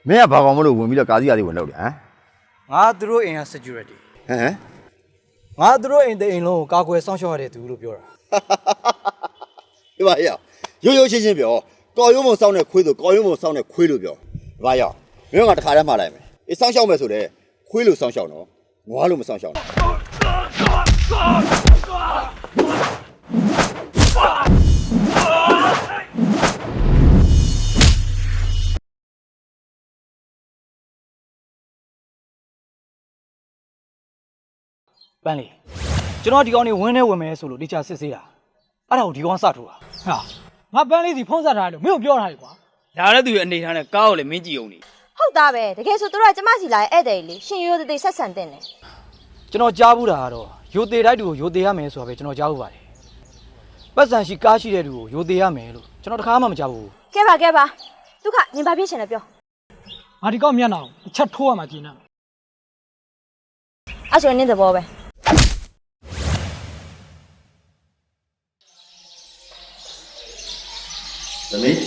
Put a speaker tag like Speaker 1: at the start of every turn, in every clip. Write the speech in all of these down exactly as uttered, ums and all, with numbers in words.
Speaker 1: မင်းကဘာကောင်မလို့ဝင်ပြီးတော့ကာစီကာစီဝင်လောက်တယ်ဟမ်
Speaker 2: ငါသူတို့အိမ်က security
Speaker 1: ဟမ်
Speaker 2: ငါသူတို့အိမ်တဲ့အိမ်လုံးကိုကာကွယ်စောင့်ရှောက်ရတဲ့သူလို့ပြောတာ
Speaker 1: ဒီပါရောရိုးရိုးရှင်းရှင်းပြောကော်ရုံးမစောင်းတဲ့ခွေးဆိုကော်ရုံးမစောင်းတဲ့ခွေးလို့ပြောဒီပါရောမင်းကတခါတည်းမှားလိုက်မယ်အေးစောင်းရှောက်မယ်ဆိုတော့ခွေးလို့စောင်းရှောက်နော်ငွားလို့မစောင်းရှောက်
Speaker 2: ပန်းလေကျွန်တော်ဒီကောင်နေဝင်းနေဝင်မယ်ဆိုလို့တခြားစစ်ဆေးတာအဲ့ဒါကိုဒီကောင်စထိုးတာ
Speaker 3: ဟာငါပန်းလေးစီဖုံးဆက်ထားတယ်လို့မင်းတို့ပြောထားတယ်ကွာ
Speaker 4: ဒါလည်းသူရဲ့အနေထားနဲ့ကားကိုလည်းမင်းကြည့်အောင်နေ
Speaker 5: ဟုတ်သားပဲတကယ်ဆိုတို့ကကျမစီလာရဲ့ဧည့်သည်လေရှင်ရိုးရိုးသေးသေးဆက်ဆံတင်တယ်
Speaker 2: ကျွန်တော်ကြားဘူးတာကတော့ရိုသေတိုက်တူကိုရိုသေရမယ်ဆိုတာပဲကျွန်တော်ကြားဘူးပါတယ်ပတ်စံရှိကားရှိတဲ့တူကိုရိုသေရမယ်လို့ကျွန်တော်တခါမှမကြားဘူး
Speaker 5: ကဲပါကဲပါဒုက္ခနင်ဘာဖြစ်ရှင်လဲပြော
Speaker 3: ငါဒီကောက်မျက်နှာကိုတစ်ချက်ထိုးရမှာကျင်းနေ
Speaker 5: အဲ့ဆိုရင်နင်သဘောပဲ
Speaker 1: သမီး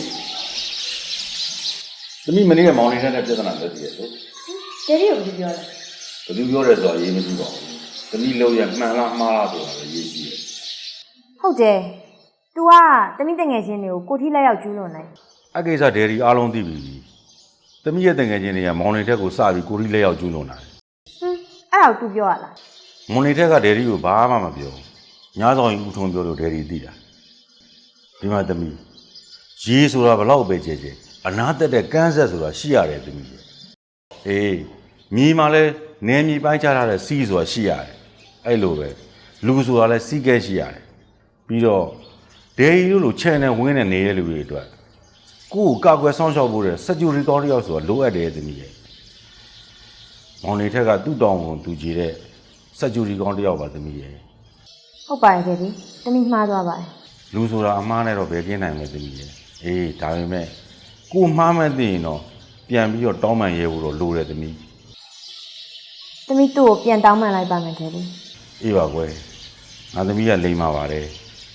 Speaker 1: သမီးမနေ့ကမောင်နေတဲ့ပြဿနာတက်တည်ရဲ့ဆို
Speaker 5: ကျေရီကိုပြောတယ်
Speaker 1: ဘယ်သူပြောတယ်ဆိုတော့အရေးမကြီးပါဘူးသမီးလုံးရမှန်လားမှားလားဆိုတာလည်းရေးကြည့်တယ်
Speaker 5: ဟုတ်တယ် तू ကသမီးတငယ်ချင်းတွေကိုကိုထိလက်ရောက်ကျူးလွန်နေ
Speaker 1: အကိစ္စဒယ်ရီအားလုံးသိပြီသမီးရဲ့တငယ်ချင်းတွေကမောင်နေထက်ကိုစပြီးကိုထိလက်ရောက်ကျူးလွန်တာ
Speaker 5: ဟင်းအဲ့ဒါကို तू ပြောရလား
Speaker 1: မောင်နေထက်ကဒယ်ရီကိုဘာမှမပြောညားဆောင်ရင်ဦးထုံးပြောလို့ဒယ်ရီသိတာဒီမှာသမီးရေးဆိုတာဘလောက်ပဲကျဲကျဲအနာတက်တဲ့ကန်းဆက်ဆိုတာရှိရတယ်သမီးအေးမြေမှာလဲနေမြေပိုင်းချထားတဲ့စီးဆိုတာရှိရတယ်အဲ့လိုပဲလူဆိုတာလဲစီးကဲရှိရတယ်ပြီးတော့ဒေရီလို့လို့ချန်နယ်ဝင်းနေနေတဲ့လူတွေအတွက်ကိုယ်ကာကွယ်ဆောင်ရှောက်ဖို့တဲ့စက်ကျူရီကောင်းတယောက်ဆိုတာလိုအပ်တယ်သမီးရဲ့မောင်နေထက်ကသူ့တောင်းဝန်သူကြည့်တဲ့စက်ကျူရီကောင်းတယောက်ပါသမီးရဲ့
Speaker 5: ဟုတ်ပါရဲ့ခင်ဗျသမီးမှားသွားပါတယ်
Speaker 1: လူဆိုတာအမှားနဲ့တော့ဘယ်ကင်းနိုင်မလဲသမီးရဲ့အေးဒါပေမဲ့ကိုမှားမှန်းသိရင်တော့ပြန်ပြီးတော့တောင်းပန်ရဲဖို့တော့လိုတယ်သမီး
Speaker 5: သမီးသူ့ကိုပြန်တောင်းပန်လိုက်ပါမယ်ခင်ဗျ
Speaker 1: အေးပါကွယ်ငါသမီးကလိမ့်ပါပါတယ်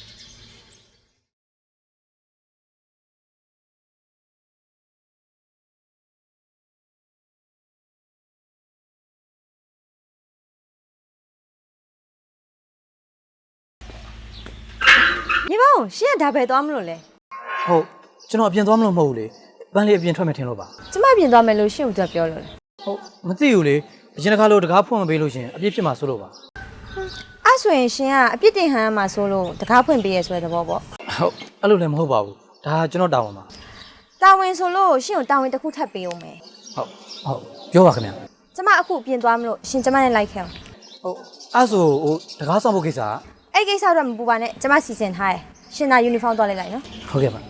Speaker 5: ညီမအောင်ရှင်းဒါပဲသွားမလို့လဲ
Speaker 2: ဟုတ်ကျွန်တော်အပြင်သွားမလို့မဟုတ်ဘူးလေပန်းလေးအပြင်ထွက်မယ်ထင်လို့ပါ
Speaker 5: ကျမပြင်သွားမယ်လို့ရှင်းဦးကပြောလို့လေ
Speaker 2: ဟုတ်မသိဘူးလေအရင်တစ်ခါလို့တကားဖွင့်မပေးလို့ရှင်အပြစ်ဖြစ်မှာဆိုလို့ပါ
Speaker 5: အဲ့ဆိုရင်ရှင်ကအပြစ်တင်ဟန်မှာဆိုလို့တကားဖွင့်ပေးရဲဆိုတဲ့သဘောပေါ့
Speaker 2: ဟုတ်အဲ့လိုလည်းမဟုတ်ပါဘူးဒါကျွန်တော်တာဝန်ပါ
Speaker 5: တာဝန်ဆိုလို့ရှင်ကိုတာဝန်တစ်ခုထပ်ပေးအောင်မယ်
Speaker 2: ဟုတ်ဟုတ်ပြောပါခင်ဗျာ
Speaker 5: ကျမအခုပြင်သွားမလို့ရှင်ကျမနဲ့လိုက်ခဲ့အောင်
Speaker 2: ဟုတ်အဲ့ဆိုဟိုတကားဆောင်ဖို့ကိစ္စက
Speaker 5: အဲ့ကိစ္စတော့မပူပါနဲ့ကျမစီစဉ်ထားရရှင်သာယူနီဖောင်းသွားလိုက်လိုက်နော်
Speaker 2: ဟုတ်ကဲ့ပါ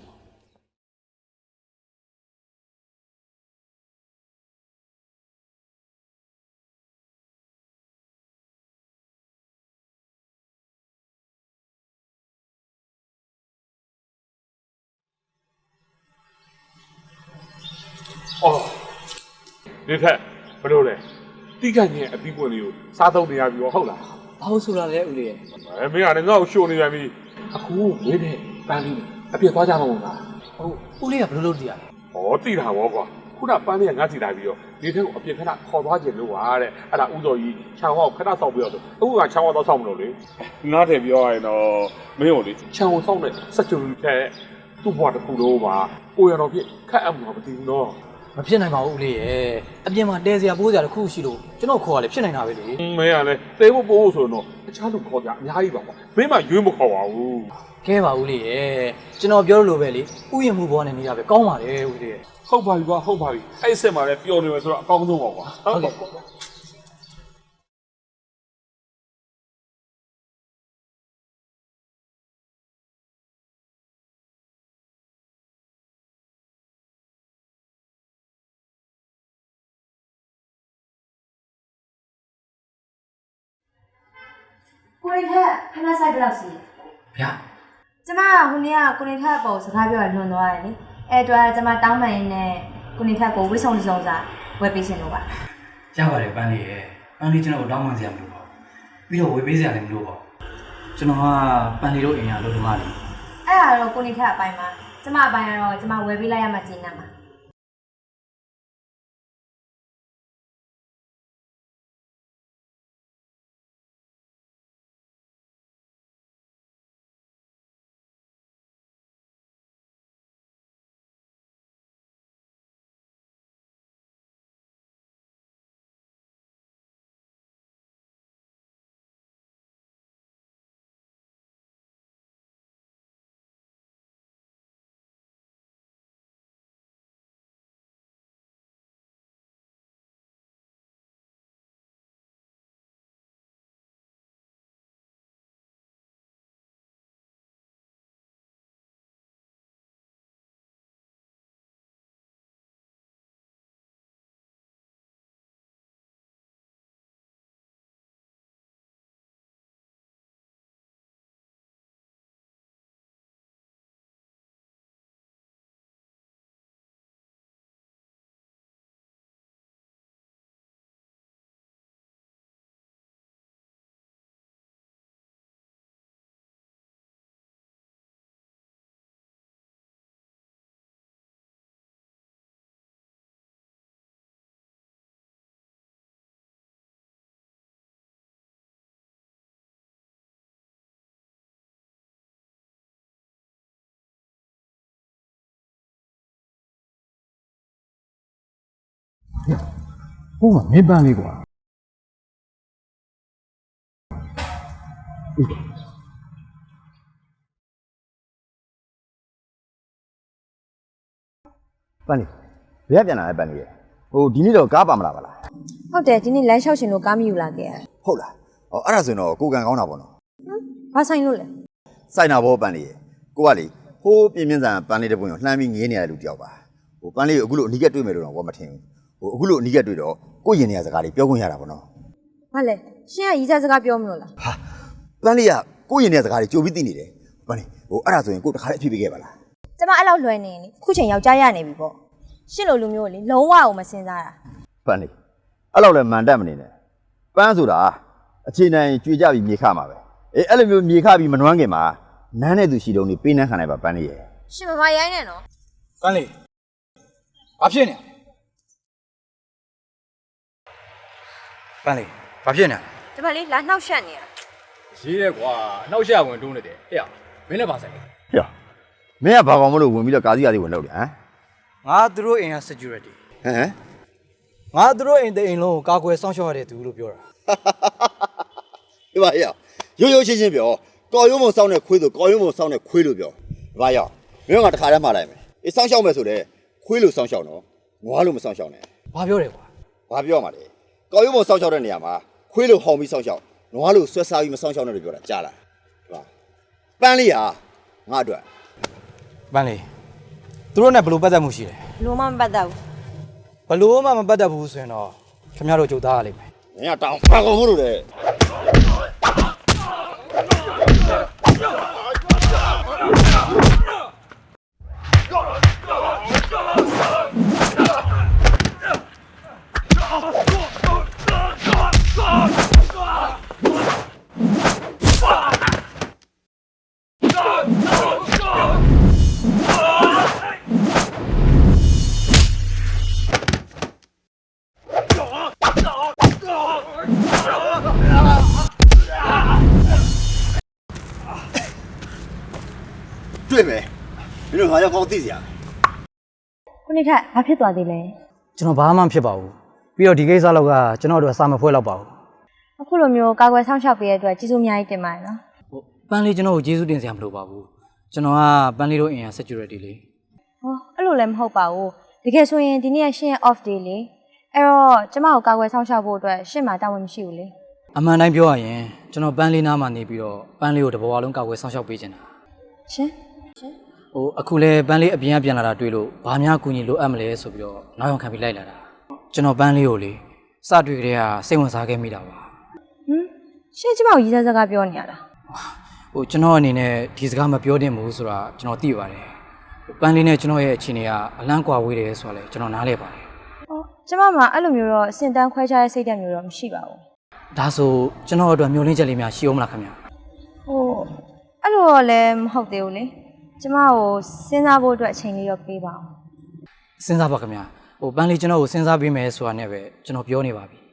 Speaker 6: အော်ဒီထက်ဘယ်လိုလဲတိကျချင်းအပြီးပွင့်လေးကိုစားသုံးနေရပြီဟုတ်လား
Speaker 2: ဘာလို့ဆိုတာလဲဦးလေးရဲ့
Speaker 6: အဲမင်းကလည်းငါ့ကိုရှို့နေပြန်ပြီအခုဝင်းနဲ့ပန်းလေးအပြစ်သွားကြမှာမဟုတ်လား
Speaker 2: ဟုတ်ဦးလေးကဘယ်လိုလုပ်တည်ရလဲ
Speaker 6: ဩတိတာဗောကွာခုနပန်းလေးကငါ့စီလာပြီးတော့ဒီထက်ကိုအပြစ်ခဏခေါ်သွားခြင်းလို့ပါတဲ့အဲ့ဒါဥတော်ကြီးခြံဝါကိုခဏဆောက်ပြီးတော့အခုကခြံဝါတော့ဆောက်မလို့လေငါတယ်ပြောရရင်တော့မင်းတို့လေခြံဝါဆောက်တဲ့စက်ကြုံထက်သူ့ဘွားတစ်ခုလုံးပါကိုရတော်ဖြစ်ခက်အမှုမသိဘူးနော်
Speaker 2: မဖြစ်နိုင်ပါဘူးဦးလေးရဲ့အပြင်မှာတဲစရာပိုးစရာတစ်ခုရှိလို့ကျွန်တော်ခေါ်ရလေဖြစ်နိုင်တာပဲလေ
Speaker 6: မင်းကလည်းတဲဖို့ပို့ဖို့ဆိုတော့အခြားလူခေါ်ကြအများကြီးပါကွာမင်းမှရွေးမခေါ်ပါဘူး
Speaker 2: ကဲပါဦးလေးရဲ့ကျွန်တော်ပြောလို့ပဲလေဥယျာဉ်မှုဘောနဲ့နေတာပဲကောင်းပါလေဦးလေးရဲ့
Speaker 6: ဟုတ်ပါပြီကွာဟုတ်ပါပြီအဲ့အစ်စ်မှာလည်းပျော်နေမယ်ဆိုတော့အကောင်းဆုံးပါကွာဟုတ်ကဲ့
Speaker 5: ကိုရီထက်ခဏဆိုင်ဘယ်လောက်စီ
Speaker 2: ဗျာ
Speaker 5: ကျမကဟိုနေ့ကကိုရီထက်ပေါ်စကားပြောရလွန်သွားတယ်လေအဲ့တော့ကျမတောင်းပန်ရင်းနဲ့ကိုရီထက်ကိုဝိဆုံစုံစာဝယ်ပေးရှင်လို့ပါ
Speaker 2: ရပါတယ်ပန်းလေးရဲ့ပန်းလေးကျွန်တော်တောင်းပန်စရာမလိုပါဘူးပြီးတော့ဝယ်ပေးစရာလည်းမလိုပါဘူးကျွန်တော်ကပန်းလေးတို့အိမ်ရလို့ဒီမှာလေ
Speaker 5: အဲ့ဒါတော့ကိုရီထက်အပိုင်းမှာကျမအပိုင်းကတော့ကျမဝယ်ပေးလိုက်ရမှကျင်းနေမှာ
Speaker 3: ဟုတ်မှာမင်းပန်းလေးကွာ
Speaker 7: ပန်းလေးဘယ်ကပြန်လာလဲပန်းလေးရဲ့ဟိုဒီနေ့တော့ကားပါမလားပါလား
Speaker 5: ဟုတ်တယ်ဒီနေ့လမ်းလျှောက်ရှင်လို့ကားမယူလာခဲ့ရ
Speaker 7: ဟုတ်လားဟောအဲ့ဒါဆိုရင်တော့ကိုကန်ကောင်းတာပေါ့နော်
Speaker 5: ဘာဆိုင်လို့လဲ
Speaker 7: စိုက်နာဘောပန်းလေးရဲ့ကိုကလေဟိုးပြင်းပြင်းစံပန်းလေးတစ်ပွင့်ကိုလှမ်းပြီးငေးနေရတဲ့လူတယောက်ပါဟိုပန်းလေးကိုအခုလို့အနီးကပ်တွေ့မယ်လို့တော့ဘာမထင်ဘူးဟိုအခုလို့အနီးကပ်တွေ့တော့ကိုရင်နေရစကားလေးပြောခွင့်ရတာပေါ့နော်
Speaker 5: ဘာလဲရှင်ကရီးစားစကားပြောမလို့လား
Speaker 7: ဟာပန်းလေးကကိုရင်နေရစကားလေးကြိုပြီးသိနေတယ်ပန်းလေးဟိုအဲ့ဒါဆိုရင်ကိုတခါလေးအဖြစ်ပေးခဲ့ပါလား
Speaker 5: ကျမအဲ့လောက်လွယ်နေရင်လေခုချိန်ယောက်ျားရနေပြီပေါ့ရှင့်လိုလူမျိုးကိုလေလုံးဝအောင်မစင်စားတာ
Speaker 7: ပန်းလေးအဲ့လောက်လည်းမန်တက်မနေနဲ့ပန်းဆိုတာအခြေနိုင်ကြွေကြပြီးမြေခမှာပဲအေးအဲ့လိုမျိုးမြေခပြီးမနှွမ်းခင်မှာနန်းတဲ့သူရှိတုံးနေပေးနှမ်းခံလိုက်ပါပန်းလေးရဲ့
Speaker 5: ရှင်မမရိုင်းနဲ့နော်
Speaker 2: ပန်းလေးဘာဖြစ်နေပန်းလေးဘာဖြစ်နေ
Speaker 5: ကျမလေးလာနှောက်ရှက်နေတာ
Speaker 4: ရေးရဲကွာအနောက်ရှက်ဝင်တွန်းနေတယ်အေးမင်းလည်းပါဆိုင်လေ
Speaker 7: ဟေ့မင်းကဘာကောင်မလို့ဝင်ပြီးတော့ကာစီကာစီဝင်လောက်တယ်ဟမ်
Speaker 2: ငါသူတို့အိမ်က security
Speaker 7: ဟမ်
Speaker 2: ငါသူတို့အိမ်တဲ့အိမ်လုံးကိုကာကွယ်စောင့်ရှောက်ရတဲ့သူလို့ပြောတာ
Speaker 7: ဒီပါဟေ့ရိုးရိုးရှင်းရှင်းပြောကော်ရုံးမစောင်းတဲ့ခွေးဆိုကော်ရုံးမစောင်းတဲ့ခွေးလို့ပြောဒီပါရောက်မင်းကတခါတည်းမှားလိုက်မယ်အေးစောင်းရှောက်မယ်ဆိုတဲ့ခွေးလို့စောင်းရှောက်နော်ငွားလို့မစောင်းရှောက်နဲ့
Speaker 2: ဘာပြောတယ်ကွာ
Speaker 7: ဘာပြောမှာလဲကော်ရုံးမစောင်းရှောက်တဲ့နေရာမှာခွေးလို့ဟောင်ပြီးစောင်းရှောက်ငွားလို့ဆွဲစားပြီးမစောင်းရှောက်နဲ့လို့ပြောတာကြားလားဒီပါပန်းလေးဟာငါအတွက်
Speaker 2: ပန်းလေးသူတို့နဲ့ဘယ်လိုပတ်သက်မှုရှိလဲ
Speaker 5: လုံးဝမပတ်သက်ဘူး
Speaker 2: ဘယ်လိုမှမပတ်သက်ဘူးဆိုရင်တော့ခင်ဗျားတို့ကြိုသားရလိမ့်မယ်
Speaker 7: မင်းကတောင်းဘာကောင်မလို့လဲ တွေ့မယ်မင်းတို့ငါရောက်ကောင်းသိစရာ
Speaker 5: ခုနေ့ထက်ဘာဖြစ်သွားသေးလဲ
Speaker 2: ကျွန်တော်ဘာမှမဖြစ်ပါဘူးပြီးတော့ဒီကိစ္စလောက်ကကျွန်တော်တို့အစာမဖွဲတော့ပါဘူး
Speaker 5: အခုလိုမျိုးကာကွယ်ဆောင်ရှောက်ပေးရတဲ့အတွက်ကျေးဇူးအများကြီးတင်ပါတယ်နော်
Speaker 2: ဟိုပန်းလေးကျွန်တော်ကိုကျေးဇူးတင်စရာမလိုပါဘူးကျွန်တော်ကပန်းလေးတို့အိမ်က security လေ
Speaker 5: ဟောအဲ့လိုလည်းမဟုတ်ပါဘူးတကယ်ဆိုရင်ဒီနေ့ကရှင့်ရဲ့ off day လေအဲ့တော့ကျမကိုကာကွယ်ဆောင်ရှောက်ဖို့အတွက်ရှင့်မှာတာဝန်မရှိဘူးလေ
Speaker 2: အမှန်တိုင်းပြောရရင်ကျွန်တော်ပန်းလေးနားမှာနေပြီးတော့ပန်းလေးကိုတဘောအလုံးကာကွယ်ဆောင်ရှောက်ပေးချင်တာ
Speaker 5: ရှင်
Speaker 2: ဟိုအခုလဲပန်းလေးအပြင်ကပြန်လာတာတွေ့လို့ဘာများကူညီလိုအပ်မလဲဆိုပြီးတော့နောက်ရောက်ခံပြီးလိုက်လာတာကျွန်တော်ပန်းလေးကိုလေစတွေ့ကြတဲ့ကစိတ်ဝင်စားခဲ့မိတာပါ
Speaker 5: ဟမ်ရှင့်ကျမကိုရီးစားစကားပြောနေရတာ
Speaker 2: ဟိုကျွန်တော်အနေနဲ့ဒီစကားမပြောသင့်ဘူးဆိုတာကျွန်တော်သိပါတယ်ပန်းလေးနဲ့ကျွန်တော်ရဲ့အခြေအနေကအလန့်ကွာဝေးတယ်ဆိုတော့လေကျွန်တော်နားလဲပါတယ်
Speaker 5: ဟောကျမမှာအဲ့လိုမျိုးတော့စင်တန်းခွဲခြားတဲ့စိတ်ဓာတ်မျိုးတော့မရှိပါဘူး
Speaker 2: ဒါဆိုကျွန်တော်အတွက်မျိုးလင်းချက်လေးများရှိအောင်မလားခင်ဗျာ
Speaker 5: ဟိုအဲ့လိုတော့လည်းမဟုတ်သေးဘူးလေကျမကိုစဉ်းစားဖို့အတွက်အချိန်လေးတော့ပေးပါအောင်
Speaker 2: စဉ်းစားပါခင်ဗျာဟိုပန်းလေးကျွန်တော်ကိုစဉ်းစားပေးမယ်ဆိုတာနဲ့ပဲကျွန်တော်ပြောနေပါပြီ